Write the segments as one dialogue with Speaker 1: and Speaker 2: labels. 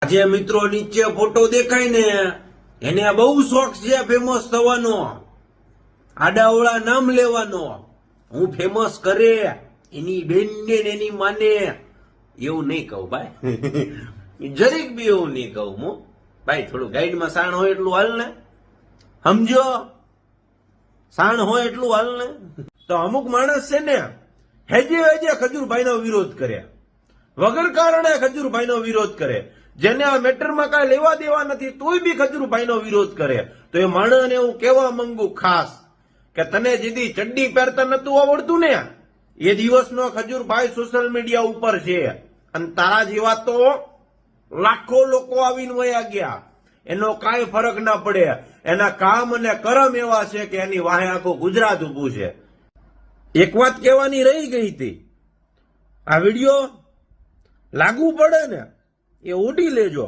Speaker 1: આજે મિત્રો નીચે ફોટો દેખાય ને એને બહુ શોખ છે ફેમસ થવાનો, આડાવડા નામ લેવાનો, હું ફેમસ કરે એની બેનને ને એની માને. એવું નહીં કહું ભાઈ, જરીક બી એવું નહીં કહું હું ભાઈ. થોડું ગાઈડમાં સાણ હોય એટલું હાલ ને, સમજો, સાણ હોય એટલું હાલ ને. તો અમુક માણસ છે ને હેજે હેજે ખજૂરભાઈનો વિરોધ કરે, વગર કારણે ખજૂરભાઈનો વિરોધ કરે. જેને આ મેટરમાં કાંઈ લેવા દેવા નથી તોય બી ખજૂરભાઈનો વિરોધ કરે. તો એ માણસને હું કહેવા માંગુ ખાસ કે તને જેથી ચડ્ડી પહેરતા નતું આવડતું ને એ દિવસનો ખજૂરભાઈ સોશિયલ મીડિયા ઉપર છે, અને તારા જેવા તો લાખો લોકો આવીને વયા ગયા. એનો કાંઈ ફરક ના પડે. એના કામ અને કરમ એવા છે કે એની વાહે આખું ગુજરાત ઉભું છે. એક વાત કહેવાની રહી ગઈ હતી, આ વિડીયો લાગુ પડે ને એ ઉડી લેજો.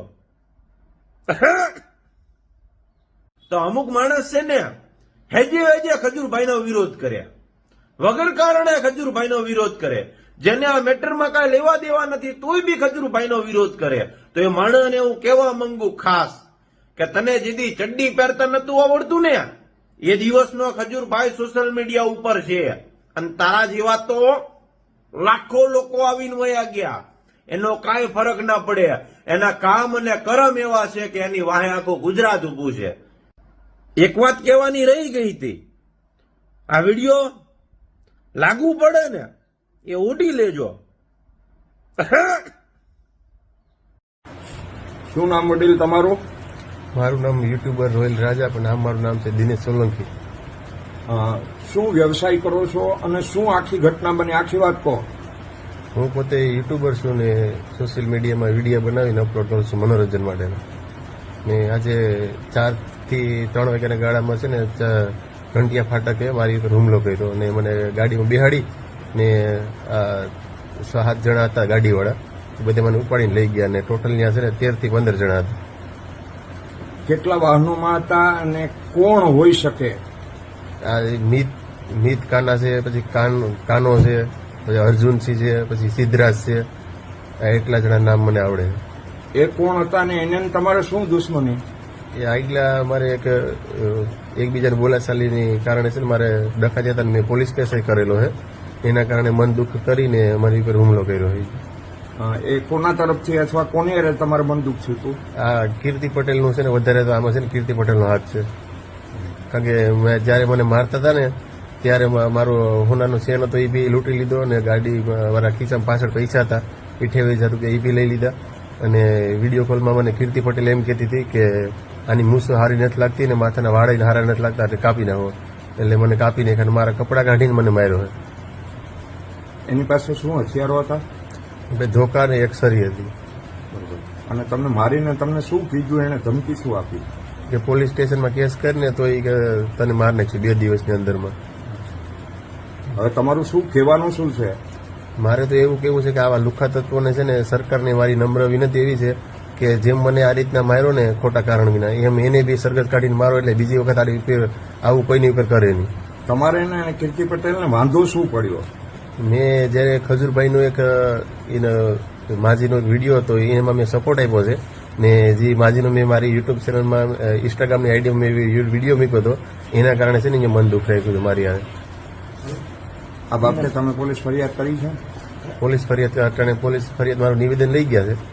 Speaker 1: તો અમુક માણસ છે ને હેજે હેજે ખજૂરભાઈનો વિરોધ કરે, વગર કારણે ખજૂરભાઈનો વિરોધ કરે. જેને આ મેટરમાં કાંઈ લેવા દેવા નથી તોય બી ખજૂરભાઈનો વિરોધ કરે. તો એ માણસને હું કહેવા માંગુ ખાસ કે તને જેથી ચડ્ડી પહેરતા નતું આવડતું ને એ દિવસનો ખજૂરભાઈ સોશિયલ મીડિયા ઉપર છે, અને તારા જેવા તો લાખો લોકો આવીને વયા ગયા. એનો કાંઈ ફરક ના પડે. એના કામ અને કરમ એવા છે કે એની વાહે આખું ગુજરાત ઉભું છે. એક વાત કહેવાની રહી ગઈ હતી, આ વિડીયો લાગુ પડે ને એ ઉડી લેજો.
Speaker 2: શું નામ વડીલ તમારું?
Speaker 3: મારું નામ યુટ્યુબર રોયલ રાજા, પણ આમ મારું નામ છે દિનેશ સોલંકી.
Speaker 2: શું વ્યવસાય કરો છો અને શું આખી ઘટના બની, આખી વાત કહો.
Speaker 3: હું પોતે યુટ્યુબર છું ને સોશિયલ મીડિયામાં વિડીયો બનાવીને અપલોડ કરું છું મનોરંજન માટેના. ને આજે 4 થી 3 વાગ્યાના ગાળામાં છે ને ઘંટિયા ફાટકે મારી ઉપર હુમલો કર્યો અને મને ગાડીમાં બેહાડી ને 7 જણા હતા ગાડીવાળા, બધે મને ઉપાડીને લઈ ગયા. ને ટોટલ ત્યાં છે ને 13 થી 15 જણા હતા.
Speaker 2: કેટલા વાહનોમાં હતા અને કોણ હોઈ શકે?
Speaker 3: આ મીત કાના છે, પછી કાનો છે, પછી અર્જુનસિંહ છે, પછી સિદ્ધરાજ છે. આ એટલા જણા નામ મને આવડે.
Speaker 2: એ કોણ હતા ને એને તમારે શું દુશ્મની?
Speaker 3: એ આગલા મારે એકબીજાને બોલાચાલીની કારણે છે ને મારે ડખા જતા મેં પોલીસ કેસ કરેલો છે. એના કારણે મન દુઃખ કરીને મારી ઉપર હુમલો કર્યો છે.
Speaker 2: એ કોના તરફથી અથવા કોની અરે તમારે બંદૂક થયું હતું?
Speaker 3: આ કીર્તિ પટેલનું છે ને, વધારે તો આમાં છે ને કીર્તિ પટેલનો હાથ છે. કારણ કે જયારે મને મારતા હતા ને ત્યારે મારો હોનાનો ચેન હતો એ બી લૂંટી લીધો, અને ગાડી મારા ખીચામાં પાછળ પૈસા હતા 28,000 રૂપિયા એ બી લઈ લીધા. અને વિડીયો કોલમાં મને કીર્તિ પટેલ એમ કહેતી હતી કે આની મૂસો હારી નથી લાગતી ને માથાના વાળા હારા નથી લાગતા એટલે કાપી નાખો. એટલે મને કાપી નાખ્યા અને મારા કપડાં કાઢીને મને માર્યો છે.
Speaker 2: એની પાસે શું હથિયારો હતા?
Speaker 3: ધોકા ને એક સરી હતી.
Speaker 2: અને તમને મારીને તમને શું કીધું, એને ધમકી શું આપી?
Speaker 3: કે પોલીસ સ્ટેશનમાં કેસ કરીને તો એ તને માર નાખશે 2 દિવસની અંદરમાં.
Speaker 2: હવે તમારું શું કહેવાનું શું છે?
Speaker 3: મારે તો એવું કેવું છે કે આવા લુખ્ખા તત્વોને છે ને સરકારને મારી નમ્ર વિનંતી એવી છે કે જેમ મને આ રીતના માર્યો ને ખોટા કારણ વિના, એમ એને બી સરગત કાઢીને મારો એટલે બીજી વખત આવું કોઈની ઉપર કરે નહીં.
Speaker 2: તમારે એને કીર્તિ પટેલને વાંધો શું પડ્યો?
Speaker 3: મેં જયારે ખજૂરભાઈનો એક માજીનો વિડીયો હતો એમાં મેં સપોર્ટ આપ્યો છે. ને જે માજીનો મેં મારી યુટ્યુબ ચેનલમાં ઇન્સ્ટાગ્રામની આઈડીમાં મેં વિડીયો મૂક્યો હતો, એના કારણે છે ને મન દુઃખ રાખ્યું હતું મારી.
Speaker 2: આ બાબતે તમે પોલીસ ફરિયાદ કરી છે?
Speaker 3: પોલીસ ફરિયાદ મારું નિવેદન લઈ ગયા છે.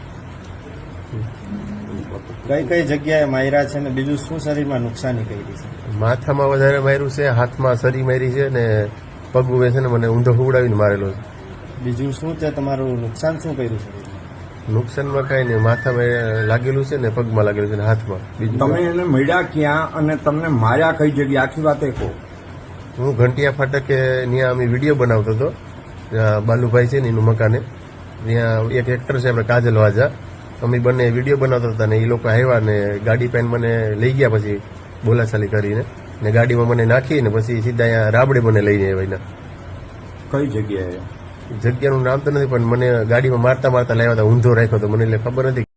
Speaker 4: કઈ જગ્યાએ માર્યા છે ને બીજું શું શરીરમાં નુકસાની કરી છે?
Speaker 3: માથામાં વધારે માર્યું છે, હાથમાં સરી મારી છે, ને પગ છે ને મને ઊંધો ઉડાવીને મારેલો છે.
Speaker 4: બીજું શું તે તમારું નુકસાન શું કર્યું છે?
Speaker 3: નુકસાનમાં કઈ નહીં, માથામાં લાગેલું છે ને પગમાં લાગેલું છે ને હાથમાં. બીજું
Speaker 2: તમે એને મળ્યા ક્યાં અને તમને માર્યા કઈ જગ્યાએ, આખી વાત એ કહો.
Speaker 3: હું ઘંટિયા ફાટકે ત્યાં અમે વિડીયો બનાવતો હતો, બાલુભાઈ છે ને એનું મકાને. ત્યાં એક એક્ટર છે આપણે કાજલ વાજા, અમે બંને વિડીયો બનાવતા હતા ને એ લોકો આવ્યા ને ગાડી પેન મને લઈ ગયા, પછી બોલાચાલી કરીને ને ગાડીમાં મને નાખી ને પછી સીધા અહીંયા રાબડે મને લઈને આવ્યા.
Speaker 2: કઈ જગ્યાએ?
Speaker 3: જગ્યાનું નામ તો નથી, પણ મને ગાડીમાં મારતા લાવ્યા હતા, ઊંધો રાખ્યો હતો મને એટલે ખબર નથી.